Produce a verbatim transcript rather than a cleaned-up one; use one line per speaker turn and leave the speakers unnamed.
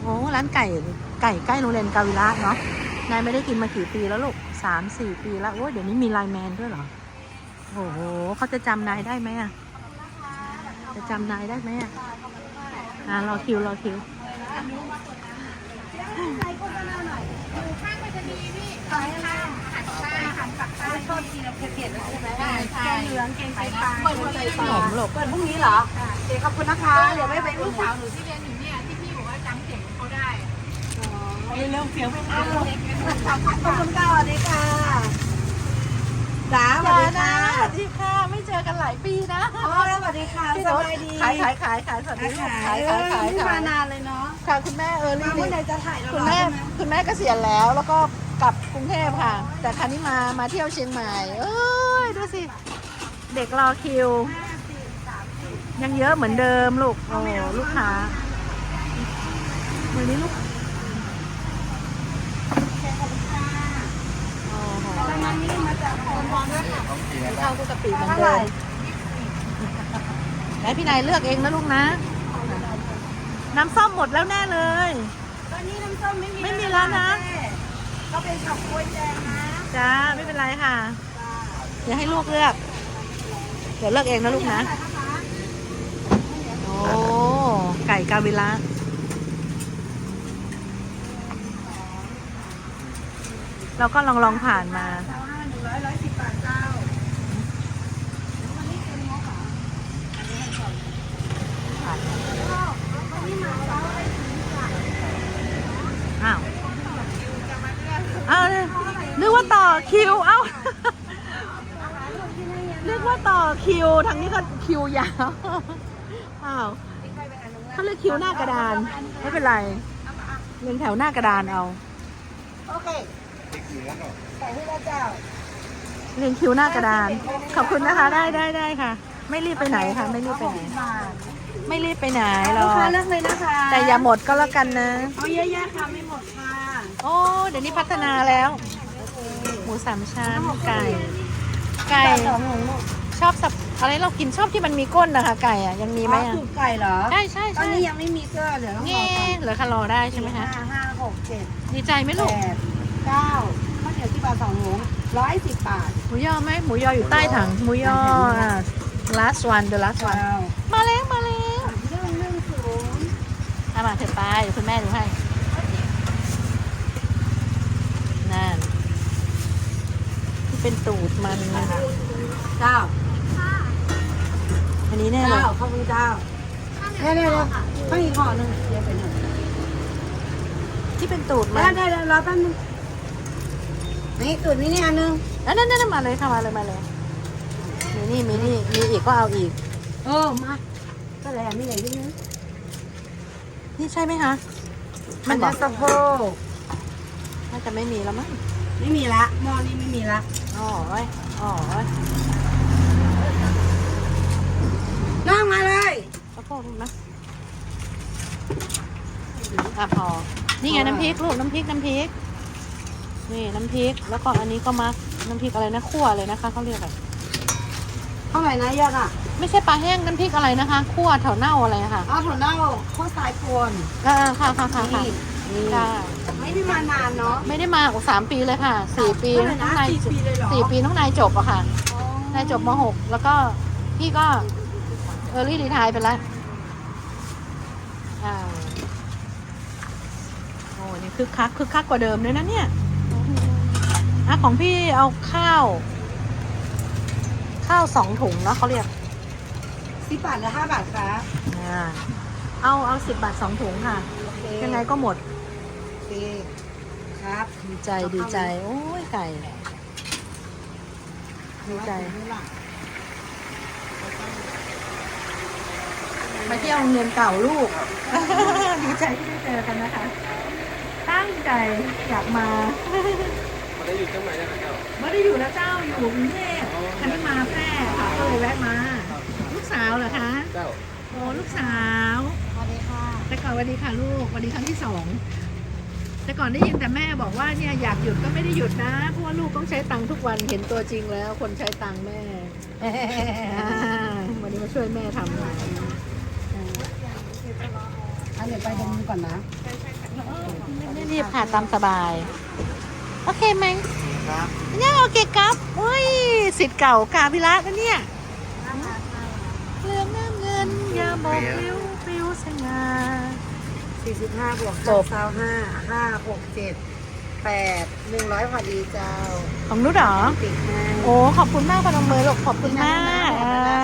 โอ้ร้านไก่ไก่ใกล้โรงเรียนกาวิระเนาะนายไม่ได้กินมากี่ปีแล้วลูกสามสี่ปีแล้วโอ้ยเดี๋ยวนี้มีไลน์แมนด้วยเหรอโอ้โหเขาจะจำนายได้ไหมอะจะจำนายได้ไหมอะอ่ารอคิวรอคิว
ขายอะไรหันข้าวหันปักใต้ชอบกินแล้วเผ็ดๆแล้วใช่ไหมใช่แกงเหลืองแกงไตปลาเปิดพรุ่งนี้
ขนมลูก
เปิดพรุ่งนี้เหรอเดี๋ยวขอบคุณนะคะเดี๋ยวไม่ไป
ลู
ลู
ก
ก
สา
สาว ว
หนูที่เรียนอยู่เนี่ยที่พี่บอกว่าจำเสียงเขาได้
เร็วเสียงไม่ได้ขอบคุณค่ะสวัสดีค่ะจ๋าสวัสดีค่ะ
สวัสดีค่ะไม่เจอกันหลายปีนะ
อ๋อสวัสดีค่ะสบายดี
ขายขายขายขายสวัสดีลูกขายขายขาย
ไม่
ขาม
าย นานเลยเนาะ
ค่ะคุณแม่เออ
มา
รี่
เมื่อไหร่จะถ่ายเรา
คุณแม่คุณแม่เกษียณแล้วแล้วก็กลับกรุงเทพค่ะ แต่ครั้นี้มามาเที่ยวเชียงใหม่เอ้ยดูสิเด็กรอคิว ยังเยอะเหมือนเดิมลูกโอ้ลูกค้าวันนี้ลูกโอ้โห
ประมาณนี้มาจากคนบอลด้วยค่ะ
ข้าวกุกะปิเหมือนเดิมแล้วพี่นายเลือกเองนะลูกนะ น้ำส้มหมดแล้วแน่เลย
ตอนนี้น้ำส้มไม่มี
ไม่มีแล้วนะ
ก็เป็นช็อกโกแลตแดงนะ
จ้าไม่เป็นไรค่ะเดี๋ยวให้ลูกเลือก เดี๋ยวเลือกเองนะลูกนะ โอ้ไก่กาวิระเราก็ลองลองผ่านมา
เจ้าห้าหนึ่งร้อยร้อยสิบบาทเจ้า
อ้าวอ้าวนึกว่าต่อคิว เอ้า นึกว่าต่อคิว ทางนี้ก็คิวยาว อ้าวเขาเรียกคิวหน้ากระดาน ไม่เป็นไรเรียงแถวหน้ากระดานเอา
โอเคใส่ให้แล้วเจ้า
เรียงคิวหน้ากระดาน ขอบคุณนะคะ ได้ได้ได้ค่ะ ไม่รีบไปไหนค่ะ ไม่รีบไปไหน ไม่รีบไปไหนหร
ลู
อก
ค้าก เลือกเลยนะคะ
แต่อย่าหมดก็แล้วกันนะ
เอาเยอะแยะค่ะไม่หมดค่ะ
โอ้เดี๋ยวนี้พัฒนาแล้ว หมูสามชั้นไก่ ไก่
สองหมู
ชอบสับอะไรเรากินชอบที่มันมีก้นนะคะ ไก่อ่ะยังมีไหม
อ๋อ
อ่ะ
สูตรไก่เหรอ
ใช่ใช่
ตอน
ใช่
นี้ยังไม่มีเสื้อเหลือต้องร
เงี้
อก่อน
เหลือคารอได้ใช่ไหมคะ
ห้าห้าหกเจ็ด
ดีใจไหม
แป
ลูก
ดเก้าข้าวเหนียวที่บาทสองหมูร้อยสิบบาท
หมูยอไหมหมูยออยู่ใต้ถังหมูยออ่ะ last one the last one
เจ้า
มาแล้วมาแล้ว
เรื่องเรื่องสูง
เอามาเถอะไปเดี๋ยวคุณแม่ดูให้นั่นที่เป็นตูดมัน
เจ้า
อันนี้แน่เล
เจ้าย ขอบคุณเจ้าได้ได้ได้ข้าวอีกห่อหนึ่งเดี๋ยวไปหนึ่ง
ที่เป็นตูดมั
ได้
น
ได้ได้รอแป๊บนึงนี่ตุ่นนี่นี่อันนึง
นั่นนั่นนั่นมาเลยค่ะมาเลยมาเลยมีนี่มีนี่มีอีกก็เอาอีก
เออมาก็แล้วนี่ไหนที่นึง
นี่ใช่ไหมคะ
มัน
บ
จะ
อก
สะโพก
น่าจะไม่มีแล้วมั้ง
ไม่มีละหม้อนี้ไม่มีละ
อ๋อเว้ยอ๋อเว้ย
นั่งมาเลย
สะโพกลูกนะอ่ะพอนี่ไงน้ำพริกลูกน้ำพริกน้ำพริกนี่น้ำพริกแล้วก็อันนี้ก็มักน้ำพริกอะไรนะคั่วเลยนะคะเขาเรียกอะไร
เท่าไหร่นะยอดอ่ะ
ไม่ใช่ปลาแห้งน้ำพริกอะไรนะคะคั่วแถวเน่าอะไรอะค่ะ
เอาถั่วเน่าข้าวสายกวน
เออค่ะค่ะค่ะค่ะ
นี่
ค่ะ
ไม่ได้มานานเนาะ
ไม่ได้มาโอ้สามปีเลยค่ะสี่ปี
เท่าไหร่
น้
นะ
องนาย
สี่ปีเลยเหรอ
สี่ปีน้องนายจบอะค่ะ
อ๋อน
ายจบมหกแล้วก็พี่ก็เออรี่รีไทายไปแล้วอ่าโอ้นี่คึกคักคึกคักกว่าเดิมเลยนะเนี่ยอ่ะของพี่เอาข้าว ข้าวสองถุงเนาะเขาเรียก
สิบบาทหรือห้าบาทคะ
อ่าเอาเอาสิบบาทสองถุงค่ะ
โอเค
ยังไงก็หมด
โอเคครับ
ดีใจดีใจ โอ้ยไก่ ดีใจ มาเที่ยวโรงเรียนเก่าลูก ดีใจที่ได้เจอกันนะคะ ตั้งใจอยากมา
มาได้อยู่จังไหนนะครับเจ้า
ไม่ได้อยู่แล้วเจ้าอยู่กรุงเทพคันนี้มาแพร่ค่ะก็เลยแวะมา ลูกสาวเหรอคะ
เจ้า
โอ้ลูกสาว
สวัสดีค่ะ
แต่ก่อนสวัสดีค่ะลูกสวัสดีครั้งที่สองแต่ก่อนได้ยินแต่แม่บอกว่าเนี่ยอยากหยุดก็ไม่ได้หยุดนะเพราะว่าลูกต้องใช้ตังค์ทุกวันเห็นตัวจริงแล้ว คนใช้ตังค์แม่อ่าวันนี้มาช่วยแม่ทำงาน
อันเดี๋ยวไปตรงนี้ก่อนนะ
ใช่ใช่
ไม่รีบค่ะตามสบาย โอเคไหม
ครับ
เนี่ยโอเคครับอุ้ยสิทธิ์เก่ากาพิระนะเนี่ยเรื่องน้ำเงินอย่าบอกปลิวปลิวสง่า
สี่สิบห้าบวก
จบ
เก้าห้าห้าหกเจ็ดแปดหนึ่งร้อยพอดีเจ้า
ของนุชเหรอ
ติดให้
โอ้ขอบคุณมากพนมมือลูกขอบคุณมาก
ขอบคุณนะ